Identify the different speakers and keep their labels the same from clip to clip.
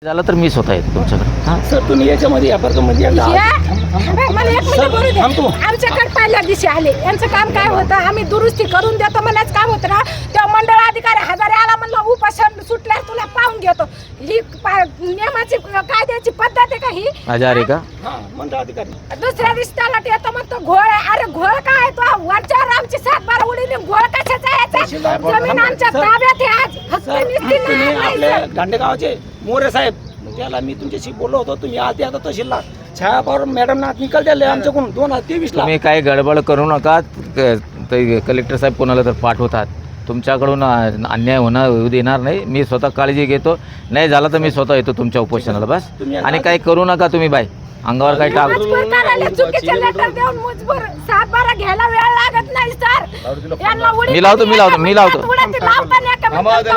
Speaker 1: झालं तर मी स्वतः येतो तुमच्याकडे. हां
Speaker 2: सर तुम्ही याच्यामध्ये या प्रकारमध्ये
Speaker 3: मला एक मिनिट बोलू दे. आमच्याकडे पहिल्या दिवशी आले, यांचं काम काय होतं, आम्ही दुरुस्ती करून देतो म्हणाच काम होतं ना. तेव्हा मंडळ अधिकारी हजारे आला म्हणलं उपोषण सुटल्यावर तुला पाहून घेतो. ही नियमाची कायद्याची पद्धत आहे का ही?
Speaker 1: हजारे का
Speaker 2: मंडळ अधिकारी
Speaker 3: दुसऱ्या दिवशी त्याला येतो म्हणतो घोळ आहे. अरे घोळ काय तो वरच्यावर आमची 7-12 उडीने घोळ कशाचा यायचा? जमीन आमच्या ताब्यात आहे आज. हक्क निस्ती
Speaker 2: तुम्ही
Speaker 3: नाही
Speaker 2: आपल्या
Speaker 3: सर.
Speaker 2: दांडेगावचे मोरे साहेब त्याला मी तुमच्याशी बोललो होतो. तुम्ही आधी आता तहसीलला छाया पवार मॅडम ना निकाल दिले आमच्याकडून 2023 ला.
Speaker 1: तुम्ही काही गडबड करू नका. ते कलेक्टर साहेब कोणाला तर पाठवतात. तुमच्याकडून अन्याय होऊ देणार नाही. मी स्वतः काळजी घेतो. नाही झालं तर मी स्वतः येतो तुमच्या उपोषणाला बस. आणि काही करू नका तुम्ही बाई अंगावर काही टाक.
Speaker 3: मजबूर करायला चुकीचे लेटर देऊन मजबूर 7-12 घ्यायला वेळ लागत नाही सर. यांना उडी
Speaker 1: मी लावतो.
Speaker 3: उडीत लावताना का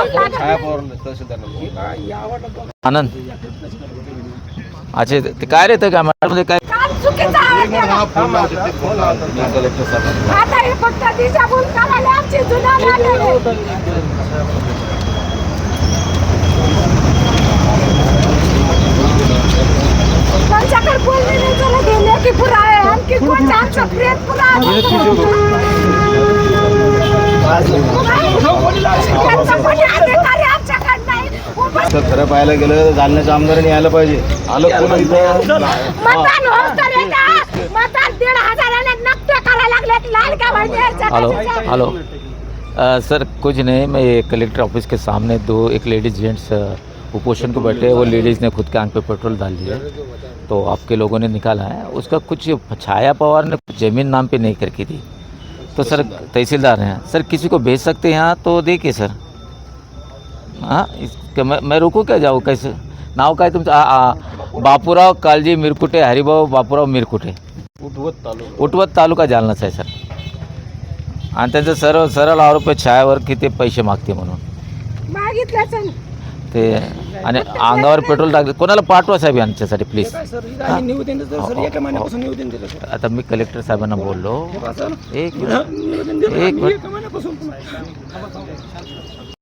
Speaker 1: आनंद अच्छा ते काय रे काय मॅडम काय
Speaker 3: काम चुकीचं आहे.
Speaker 1: कलेक्टर साहेब
Speaker 3: आता हे फक्त दिशाभूल करायला आमची जुना त्यांच्याकडे बोलणे नाही जरा गेले की पुरा आहे. आणखी कोणचा आमचा प्रेत पुरा
Speaker 4: खरं पाहायला गेलं जालन्याच्या आमदारांनी यायला पाहिजे. आलं कोण इथं
Speaker 3: मतदान होत तर येतं. मतदान 1,500 नक्की करायला लागले. लाल का म्हणजे
Speaker 1: हेलो सर कुछ नहीं. मैं ये कलेक्टर ऑफिस के सामने एक लेडीज़ जेंट्स कुपोषण को बैठे. वो लेडीज़ ने खुद के आंख पे पेट्रोल डाल दिया, तो आपके लोगों ने निकाला है. उसका कुछ छाया पवार ने ज़मीन नाम पे नहीं करके दी. तो सर तहसीलदार हैं सर, किसी को भेज सकते हैं यहाँ तो देखिए सर. हाँ मैं रुकू क्या जाऊ कैसे? नाव काय तुमचं? बापूराव कालजी मिरकुटे, हरिभाऊ बापूराव मिरकुटे, उटवत तालुका जालनाच आहे सर. आणि त्यांचं सरळ आरोप आहे छायावर की ते पैसे मागते म्हणून
Speaker 3: मागितलं
Speaker 1: ते. आणि अंगावर पेट्रोल टाकले. कोणाला पाठवा साहेब यांच्यासाठी प्लीज.
Speaker 2: सर निवेदन दिलं सर. एका महिन्यापासून निवेदन दिलं सर.
Speaker 1: आता मी कलेक्टर साहेबांना बोललो. एक
Speaker 2: निवेदन दिलं
Speaker 1: एक
Speaker 2: एका महिन्यापासून.